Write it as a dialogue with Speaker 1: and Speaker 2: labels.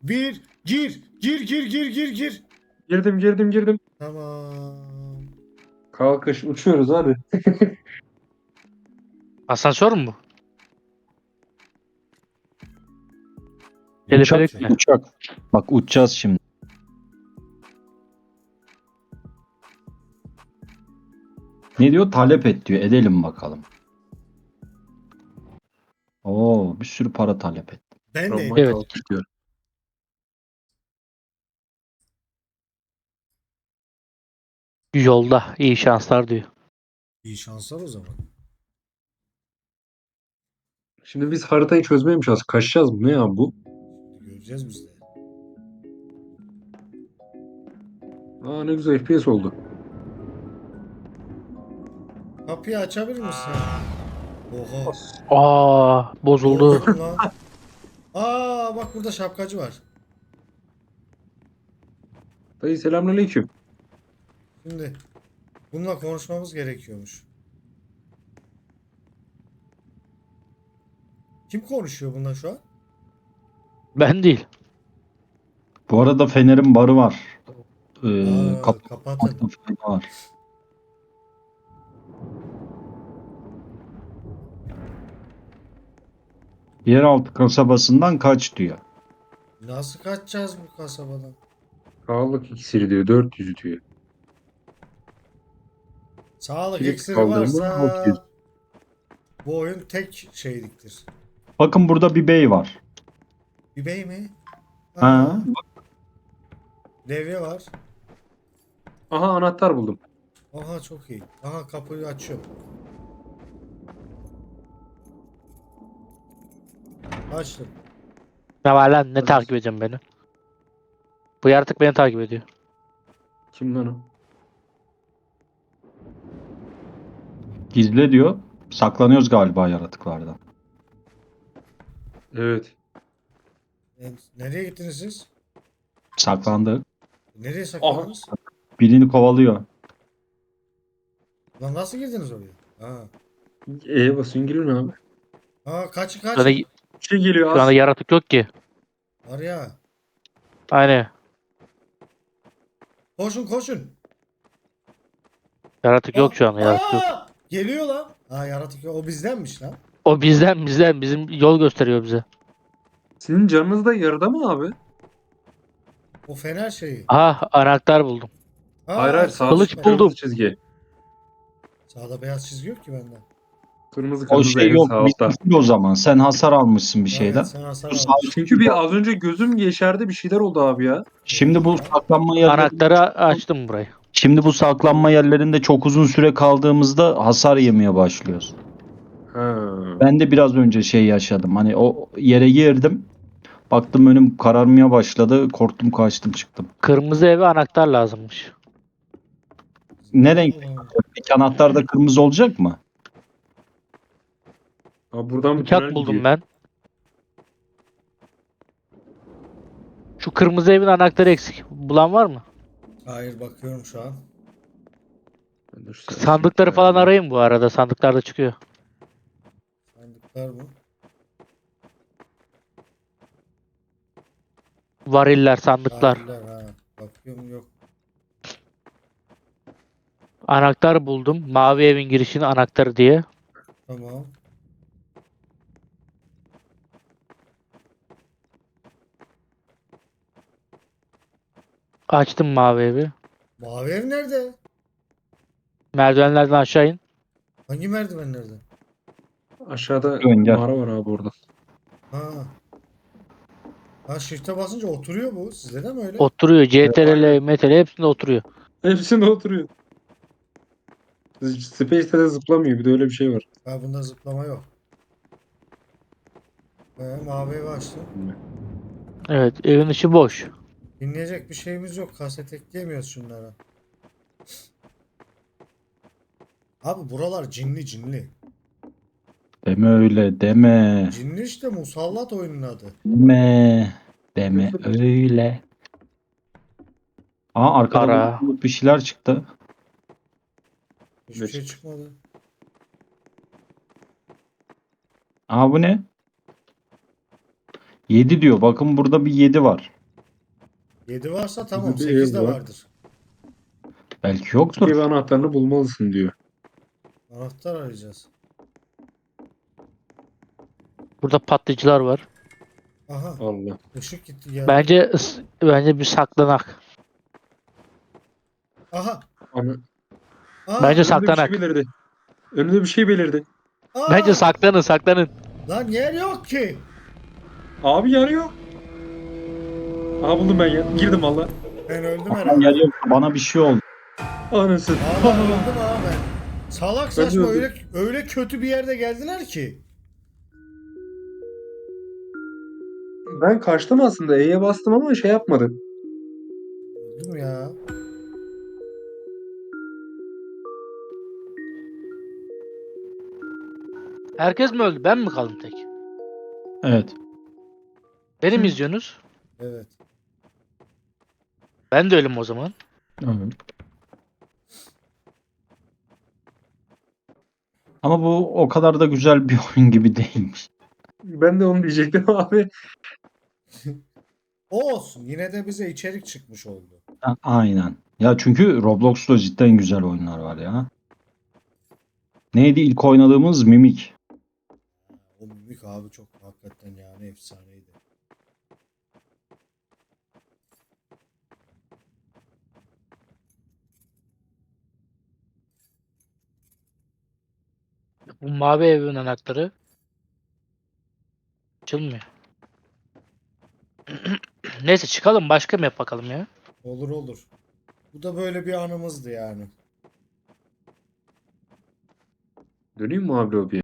Speaker 1: bir, gir. Gir.
Speaker 2: Girdim.
Speaker 1: Tamam.
Speaker 2: Kalkış uçuyoruz hadi.
Speaker 3: Asansör mü bu? Teleferik mi?
Speaker 4: Uçak. Bak uçacağız şimdi. Ne diyor? Talep et diyor. Edelim bakalım. Oo, bir sürü para talep et.
Speaker 1: Ben de
Speaker 3: Evet.
Speaker 2: Kalkış diyor.
Speaker 3: Yolda iyi şanslar diyor.
Speaker 1: iyi şanslar o zaman.
Speaker 2: Şimdi biz haritayı çözmeye mi çalışacağız? Kaçacağız mı? Ne ya bu?
Speaker 1: Göreceğiz biz de.
Speaker 2: Aa ne güzel FPS oldu.
Speaker 1: Kapıyı açabilir misin? Oha.
Speaker 3: Bozuldu.
Speaker 1: Bozdum lan. Bak burada şapkacı var.
Speaker 2: Dayı selamünaleyküm.
Speaker 1: Şimdi bununla konuşmamız gerekiyormuş. Kim konuşuyor bununla şu an?
Speaker 3: Ben değil.
Speaker 4: Bu arada Fener'in barı var.
Speaker 1: Kapatın.
Speaker 4: Kapatmakta fayda var. Yeraltı kasabasından kaç diyor.
Speaker 1: Nasıl kaçacağız bu kasabadan?
Speaker 2: Sağlık iksiri diyor. 400 diyor.
Speaker 1: Sağlık
Speaker 2: Kilit
Speaker 1: iksiri
Speaker 2: kaldırma,
Speaker 1: varsa
Speaker 2: 600.
Speaker 1: bu oyun tek şeyliktir.
Speaker 4: Bakın burada bir bey var.
Speaker 1: Bir bey mi?
Speaker 4: Ha,
Speaker 1: Levye var.
Speaker 2: Aha anahtar buldum.
Speaker 1: Aha çok iyi. Aha kapıyı açıyor. Açtım.
Speaker 3: Ne var lan, ne takip edeceğim beni? Bu yaratık beni takip ediyor.
Speaker 2: Kim lan o?
Speaker 4: gizle diyor. Saklanıyoruz galiba yaratıklardan.
Speaker 2: Evet.
Speaker 1: Nereye gittiniz siz?
Speaker 4: Saklandı.
Speaker 1: Nereye saklandınız?
Speaker 4: Birini kovalıyor.
Speaker 1: Lan nasıl girdiniz oraya? Ha.
Speaker 2: Basın girin abi.
Speaker 1: Kaçın
Speaker 3: Şu anda,
Speaker 1: kaçın.
Speaker 2: Bir şey geliyor
Speaker 3: şu anda
Speaker 2: az.
Speaker 3: yaratık yok ki.
Speaker 1: Var ya.
Speaker 3: Aynen.
Speaker 1: Koşun.
Speaker 3: Yaratık yok şu anda, yaratık yok.
Speaker 1: Geliyor lan. Yaratık yok. O bizdenmiş lan.
Speaker 3: O bizden bizim yol gösteriyor bize.
Speaker 2: Sizin canınız da yarıda mı abi?
Speaker 1: O fener şeyi.
Speaker 3: Aha, anahtar buldum.
Speaker 2: Hayır sağ
Speaker 3: Kılıç
Speaker 1: süper.
Speaker 3: buldum.
Speaker 2: kırmızı çizgi.
Speaker 1: Sağda beyaz çizgi yok ki bende.
Speaker 2: Kırmızı
Speaker 4: O şey
Speaker 2: en
Speaker 4: yok.
Speaker 2: sağ altta.
Speaker 4: Bizim o zaman. Sen hasar almışsın bir
Speaker 1: Evet,
Speaker 4: şeyden.
Speaker 1: sen hasar
Speaker 4: Bu
Speaker 1: aldın.
Speaker 4: sağ-
Speaker 2: Çünkü bir az önce gözüm yeşerdi bir şeyler oldu abi ya.
Speaker 4: Şimdi bu saklanma yerleri,
Speaker 3: Anahtarı açtım burayı.
Speaker 4: şimdi bu saklanma yerlerinde çok uzun süre kaldığımızda hasar yemeye başlıyoruz.
Speaker 2: Ha.
Speaker 4: Ben de biraz önce şey yaşadım. Hani o yere girdim. Baktım önüm kararmaya başladı. Korktum, kaçtım, çıktım.
Speaker 3: Kırmızı eve anahtar lazımmış.
Speaker 4: Ne renk? Peki anahtar da kırmızı olacak mı?
Speaker 2: Abi buradan bir
Speaker 3: Bıçak
Speaker 2: tünel
Speaker 3: buldum
Speaker 2: gidiyor.
Speaker 3: ben. Şu kırmızı evin anahtarı eksik. Bulan var mı?
Speaker 1: Hayır bakıyorum şu an.
Speaker 2: Ben de şu sarı
Speaker 3: Sandıkları
Speaker 2: şeyi
Speaker 3: falan
Speaker 2: ayarlayayım.
Speaker 3: arayın bu arada. Sandıklarda çıkıyor.
Speaker 1: Sandıklar mı?
Speaker 3: Variller, sandıklar.
Speaker 1: Tarihler, bakıyorum yok.
Speaker 3: Anahtar buldum. Mavi evin girişinin anahtarı diye.
Speaker 1: Tamam.
Speaker 3: Açtım mavi evi.
Speaker 1: Mavi ev nerede?
Speaker 3: Merdivenlerden aşağı in.
Speaker 1: Hangi merdivenlerde?
Speaker 2: Aşağıda
Speaker 4: Gel.
Speaker 2: mağara var abi orada.
Speaker 1: Ha. Shift'e basınca oturuyor bu. Sizde de mi öyle?
Speaker 3: Oturuyor. CTRL,
Speaker 2: aynen.
Speaker 3: MTRL hepsinde oturuyor.
Speaker 2: Hepsinde oturuyor. Space'de de zıplamıyor. Bir de öyle bir şey var.
Speaker 1: Bunda zıplama yok. Mavi evi açtım.
Speaker 3: Evet, evin içi boş.
Speaker 1: Dinleyecek bir şeyimiz yok. Kaset ekleyemiyoruz şunlara. Abi buralar cinli.
Speaker 4: Deme öyle, deme.
Speaker 1: Cinli işte, musallat oyunun adı.
Speaker 4: Deme öyle. Arkada
Speaker 3: Ara.
Speaker 4: bir şeyler çıktı.
Speaker 1: Hiçbir şey çıkmadı.
Speaker 4: Bu ne? 7 diyor. Bakın burada bir 7 var.
Speaker 1: 7 varsa tamam,
Speaker 2: Bir
Speaker 1: 8 de
Speaker 2: ev var.
Speaker 1: vardır.
Speaker 4: Belki yoktur.
Speaker 2: Ev anahtarını bulmalısın diyor.
Speaker 1: Anahtar arayacağız.
Speaker 3: Burada patlayıcılar var.
Speaker 1: Aha,
Speaker 2: Allah.
Speaker 1: ışık gitti geldi.
Speaker 3: Bence bir saklanak.
Speaker 1: Aha.
Speaker 2: Ana.
Speaker 1: Aa,
Speaker 3: Bence
Speaker 2: Önümde bir
Speaker 3: saklanak.
Speaker 2: şey belirdi. Önümde bir şey belirdi.
Speaker 1: aa,
Speaker 3: Bence saklanın.
Speaker 1: lan yer yok ki.
Speaker 2: Abi yanıyor. Aha buldum ben ya. Girdim valla.
Speaker 1: Ben öldüm
Speaker 4: Aa,
Speaker 1: herhalde.
Speaker 4: yer yok. Bana bir şey oldu.
Speaker 2: Anasını.
Speaker 1: Aa, ben öldüm abi ben. Salak
Speaker 2: Ben
Speaker 1: saçma
Speaker 2: de öldüm.
Speaker 1: öyle kötü bir yerde geldiler ki.
Speaker 2: Ben kaçtım aslında. E'ye bastım ama şey yapmadı.
Speaker 1: Öldüm ya.
Speaker 3: Herkes mi öldü? Ben mi kaldım tek?
Speaker 4: Evet.
Speaker 3: Beni mi izliyorsunuz?
Speaker 1: Evet.
Speaker 3: Ben de ölüm o zaman.
Speaker 4: Evet. Ama bu o kadar da güzel bir oyun gibi değilmiş.
Speaker 2: Ben de onu diyecektim abi.
Speaker 1: O olsun. Yine de bize içerik çıkmış oldu.
Speaker 4: Aynen. Ya çünkü Roblox'ta cidden güzel oyunlar var ya. Neydi ilk oynadığımız Mimik.
Speaker 1: O mimik abi çok hakikaten yani efsaneydi.
Speaker 3: Bu mavi evin anahtarı açılmıyor. Neyse çıkalım başka map bakalım ya.
Speaker 1: Olur olur. Bu da böyle bir anımızdı yani.
Speaker 2: Döneyim mi abi lobiye?